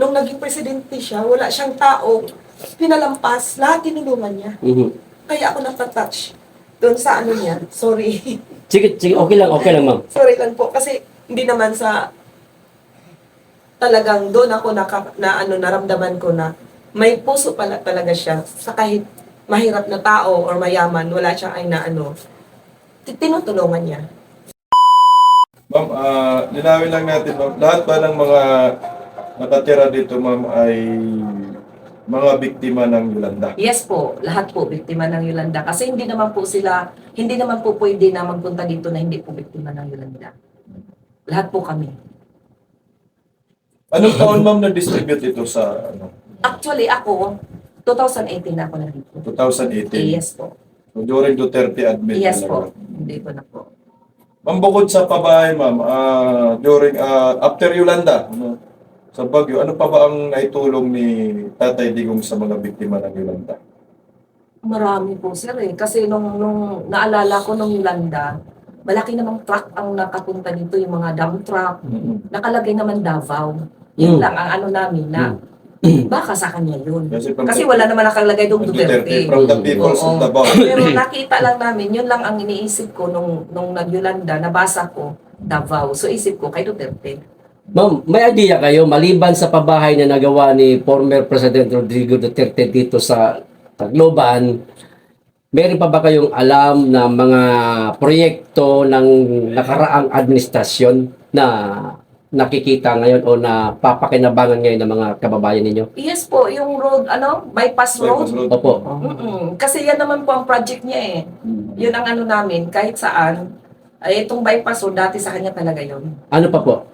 nung naging presidente siya, wala siyang tao, pinalampas, lahat tinulungan niya. Kaya ako napatouch doon sa ano niya. Sorry. Sige, okay lang, ma'am. Sorry lang po. Kasi hindi naman sa talagang doon ako naramdaman ko na may puso pala talaga siya. Sa kahit mahirap na tao or mayaman, wala siyang ay na tinutulungan niya. Ma'am, linawin lang natin, ma'am. Lahat ba ng mga nakatira dito, ma'am, ay mga biktima ng Yolanda? Yes po, lahat po biktima ng Yolanda. Kasi hindi naman po pwede na magpunta dito na hindi po biktima ng Yolanda. Lahat po kami. Anong taon, ma'am, na-distribute ito sa Actually, ako, 2018 na ako na dito. 2018? Yes po. So, during Duterte admin Yes talaga. po. Hindi ko na po. Ma'am, bukod sa pabahay, ma'am, after Yolanda, sa Baguio, ano pa ba ang naitulong ni Tatay Digong sa mga biktima ng Yolanda? Marami po sir eh. Kasi nung naalala ko nung Yolanda, malaki namang truck ang nakapunta dito, yung mga dump truck. Nakalagay naman Davao. Yun lang ang ano namin na baka sa kanya yun. Kasi wala naman nakalagay doon Duterte. From the peoples of Davao. Pero nakita lang namin, yun lang ang iniisip ko nung nag-Yolanda, nabasa ko, Davao. So isip ko, kay Duterte. Ma'am, may idea kayo, maliban sa pabahay na nagawa ni former President Rodrigo Duterte dito sa Tacloban, meron pa ba kayong alam na mga proyekto ng nakaraang administrasyon na nakikita ngayon o na papakinabangan ngayon ng mga kababayan ninyo? Yes po, yung road, bypass road. Opo. Kasi yan naman po ang project niya eh. Yun ang ano namin, kahit saan. Ay, itong bypass road, dati sa kanya talaga yun. Ano pa po?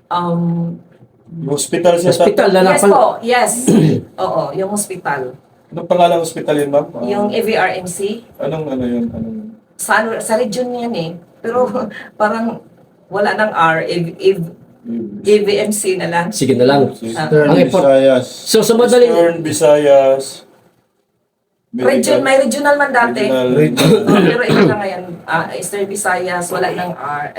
Hospital siya. Hospital na Yes po, yes. Oo, yung hospital. Anong pangalang hospital yun, ma'am? Yung AVRMC. Anong yun? Sa region yan eh. Pero parang wala ng R, AVMC na lang. Sige na lang. Eastern Ang import- Visayas. So sa madaling Eastern Visayas. May regional man dati. Regional. Pero ito na ngayon, Eastern Visayas, wala ng R,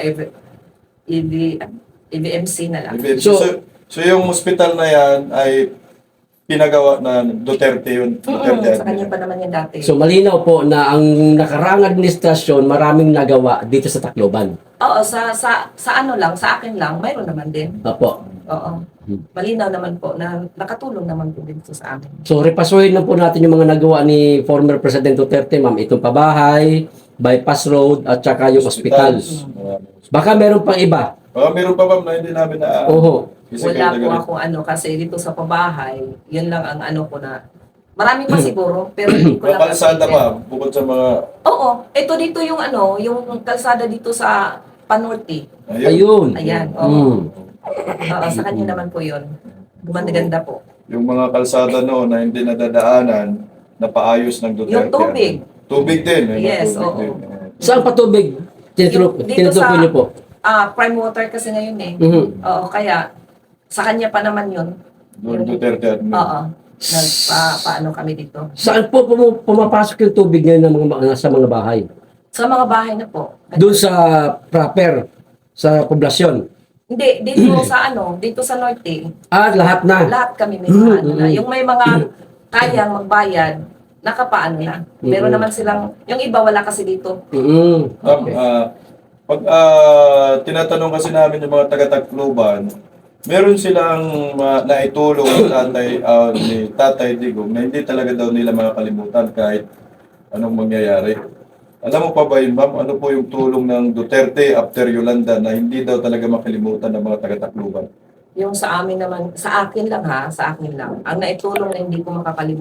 AVMC na lang. So yung hospital na yan ay pinagawa na Duterte yun. Duterte Sa kanya pa naman yan dati. So malinaw po na ang nakaraang administrasyon maraming nagawa dito sa Tacloban. Oo, sa ano lang, sa akin lang, mayroon naman din. Opo. Oo. Malinaw naman po na nakatulong naman po dito sa amin. So repasuhin na po natin yung mga nagawa ni former President Duterte, ma'am. Itong pabahay, bypass road, at saka yung hospital. Baka meron pang iba. Meron pa, ma'am, na hindi namin na... Oho. Wala po ako kasi dito sa pabahay, yun lang ang ano ko na. Marami pa siguro, pero hindi ko lang kalsada kasi- pa, bukod sa mga... Oo, ito dito yung yung kalsada dito sa Panorte. Ayun. Ayan, oo. Mm. Oo, sa kanya naman po yun. Gumanda po. Yung mga kalsada noon na hindi nadadaanan, napaayos ng Duterte. Yung tubig. Tubig din. Yes, tubig oo. din. Saan patubig? Dito Tinutukoy niyo po. Prime water kasi ngayon eh. Mhm. Oo, kaya sa kanya pa naman yun. Doon Duterte admin. Oo. Paano kami dito. Saan po pumapasok yung tubig ngayon ng sa mga bahay? Sa mga bahay na po. Doon sa proper, sa poblasyon. Hindi, dito sa dito sa Norte. Lahat na. Lahat kami may mga na. Yung may mga kayang magbayad, nakapaano na. Meron naman silang, yung iba wala kasi dito. Okay. Pag tinatanong kasi namin yung mga taga-Tacloban, meron silang naitulong ni Tatay Digong na hindi talaga daw nila makakalimutan kahit anong mangyayari. Alam mo pa ba yun, ma'am? Ano po yung tulong ng Duterte after Yolanda na hindi daw talaga makalimutan ng mga taga-Tacloban? Yung sa amin naman, sa akin lang. Ang naitulong na hindi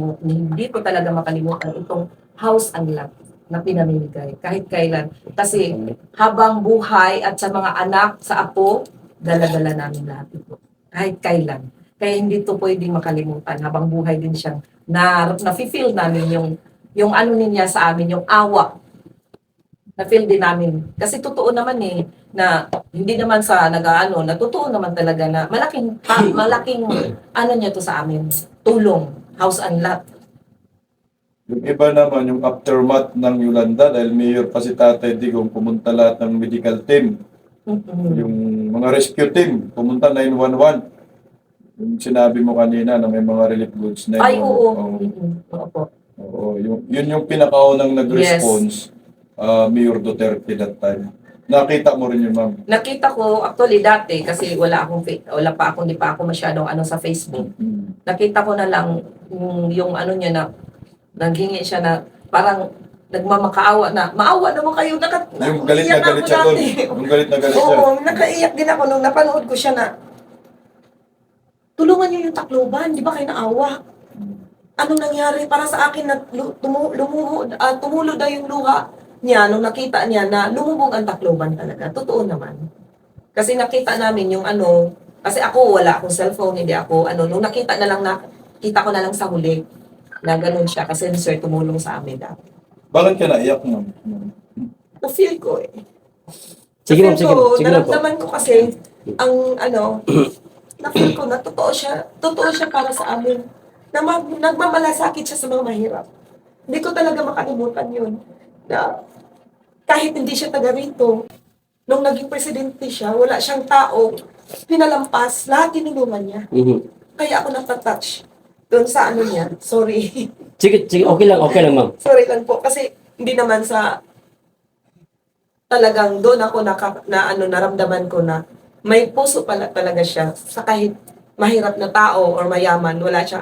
ko talaga makalimutan itong house and lot na pinamimigay kahit kailan. Kasi habang buhay at sa mga anak, sa apo, dala-dala namin lahat ito. Kahit kailan. Kaya hindi to pwedeng makalimutan. Habang buhay din siyang na-feel namin yung ano niya sa amin, yung awa. Na-feel din namin. Kasi totoo naman na hindi naman sa na totoo naman talaga na malaking ano niya to sa amin. Tulong, house and lot. Yung iba naman, yung aftermath ng Yolanda, dahil mayor pa si Tatay Digong, pumunta lahat ng medical team. Yung mga rescue team, pumunta 911. Yung sinabi mo kanina na may mga relief goods na Ay, yun. oo. Oo. Oo po. Oo, yun yung pinakaunang nag-response, Mayor Duterte that time. Nakita mo rin yun, ma'am. Nakita ko, actually dati, kasi hindi pa ako masyadong sa Facebook. Mm. Nakita ko na lang yung ano niya na, naghingi siya na, parang nagmamakaawa na, maawa naman kayo, Yung galit na naiyak galit ako siya doon. dati. Yung galit na galit siya. Oo, nakaiyak din ako nung napanood ko siya na, tulungan niyo yung Tacloban, di ba kayo naawa? Anong nangyari para sa akin na tumulo na yung luha niya nung nakita niya na lumubog ang Tacloban talaga. Totoo naman. Kasi nakita namin yung kasi ako wala akong cellphone, hindi ako nung kita ko na lang sa huli na ganun siya kasi si sir tumulong sa amin dati. Bakit ka naiyak, ma'am? Na-feel ko eh. Sige ma'am, Na-feel sige. ko, Sige lang po. naramdaman ko kasi ang na-feel ko na totoo siya para sa amin. Nagmamalasakit siya sa mga mahirap. Hindi ko talaga makalimutan yun. Na kahit hindi siya taga rito, nung naging presidente siya, wala siyang tao, pinalampas, lahat tinulungan niya. Mhm. Kaya ako napatouch doon sa niya. Sorry. Sige, sige, okay lang ma'am. Sorry lang po. Kasi hindi naman sa talagang doon ako naramdaman ko na may puso pala talaga siya sa kahit mahirap na tao or mayaman, wala siyang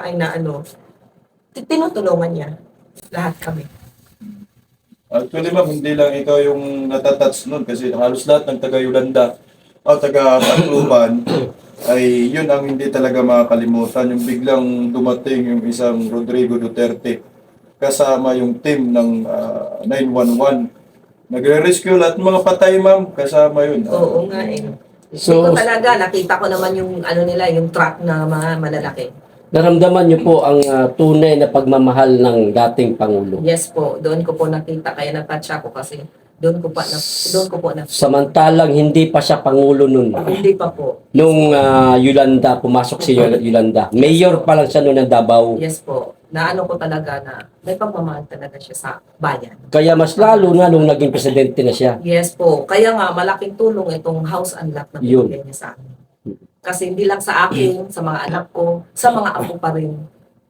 tinutulungan niya. Lahat kami. Actually, ma'am, hindi lang ikaw yung natatouch nun kasi halos lahat ng taga-Yolanda o taga-Tacloban ay yun ang hindi talaga makakalimutan. Yung biglang dumating yung isang Rodrigo Duterte kasama yung team ng 911. Nagre-rescue lahat ng mga patay, ma'am. Kasama yun. Oo nga eh. So- Ito talaga, nakita ko naman yung nila, yung truck na mga malalaki. Naramdaman niyo po ang tunay na pagmamahal ng dating Pangulo. Yes po, doon ko po nakita, kaya na-touch ako kasi doon ko po na Samantalang hindi pa siya Pangulo nun. hindi pa po. Nung Yolanda, pumasok si Yolanda. Mayor pa lang siya noon ng Davao. Yes po, ko talaga na may pagmamahal talaga siya sa bayan. Kaya mas lalo na nung naging presidente na siya. Yes po, kaya nga malaking tulong itong house unlock na Yun. binigay niya sa amin. Kasi hindi lang sa akin, sa mga anak ko, sa mga apo pa rin.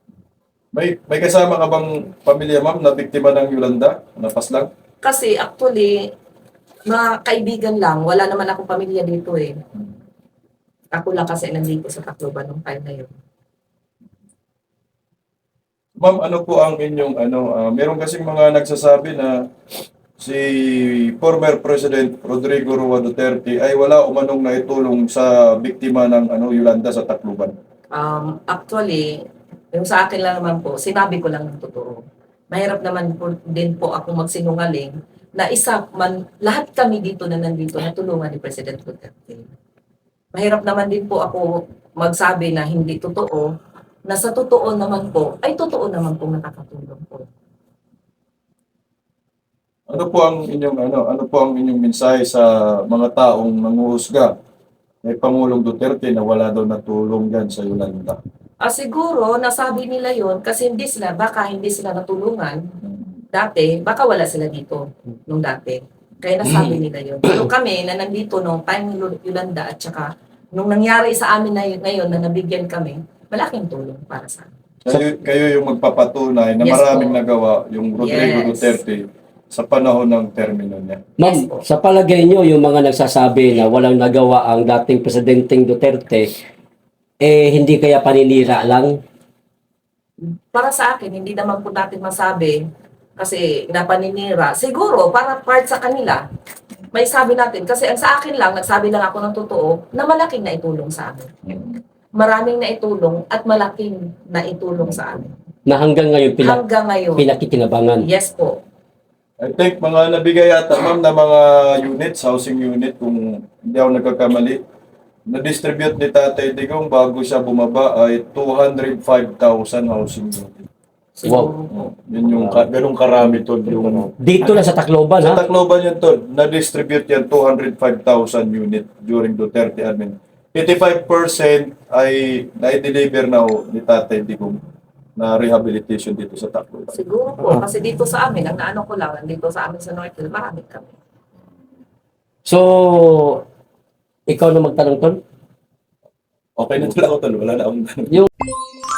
May kasama ka bang pamilya, ma'am, na biktima ng Yolanda? Napas lang? Kasi actually, mga kaibigan lang, wala naman akong pamilya dito eh. Ako lang kasi nandito sa Tacloban nung time na yun. Ma'am, ano po ang inyong meron kasing mga nagsasabi na si former President Rodrigo Roa Duterte ay wala umanong naitulong sa biktima ng Yolanda sa Tacloban. Actually, yung sa akin lang naman po, sinabi ko lang ng totoo. Mahirap naman din po ako magsinungaling na lahat kami dito na nandito na tulungan ni President Duterte. Mahirap naman din po ako magsabi na hindi totoo, na sa totoo naman po, ay totoo naman po nakakatulong po. Ano po ang inyong mensahe sa mga taong nanguhusga kay Pangulong Duterte na wala daw natulong yan sa Yolanda? Siguro, nasabi nila yon kasi baka hindi sila natulungan dati, baka wala sila dito nung dati. Kaya nasabi nila yon. Pero kami na nandito nung time ni Yolanda at saka nung nangyari sa amin na ngayon na nabigyan kami, malaking tulong para sa amin. Kayo yung magpapatunay na Yes maraming po. nagawa yung Rodrigo Yes. Duterte sa panahon ng termino niya. Ma'am, Yes po. sa palagay niyo yung mga nagsasabi na walang nagawa ang dating Presidenteng Duterte, hindi kaya paninira lang? Para sa akin, hindi naman po natin masabi kasi napaninira. Siguro, para part sa kanila, may sabi natin. Kasi ang sa akin lang, nagsabi lang ako ng totoo, na malaking naitulong sa amin. Maraming naitulong at malaking naitulong sa amin. Na hanggang ngayon Hanggang ngayon. pinakikinabangan. Yes po. I think mga nabigay yata, ma'am, na mga units, housing unit, kung hindi ako nagkakamali, na-distribute ni Tatay Digong bago siya bumaba ay 205,000 housing unit. Siguro po. Yun yung ganung karami to. Yung, Dito lang sa Tacloban, sa ha? Tacloban yun to, na-distribute yan 205,000 unit during Duterte admin. 85% ay na-deliver na ni Tatay Digong na rehabilitation dito sa Tacloban. Siguro po. Kasi dito sa amin, ang naano ko lang, dito sa amin sa Northville, marami kami. So, ikaw na magtanong, Ton? Okay na tol ako tol, wala na akong tanong. Yung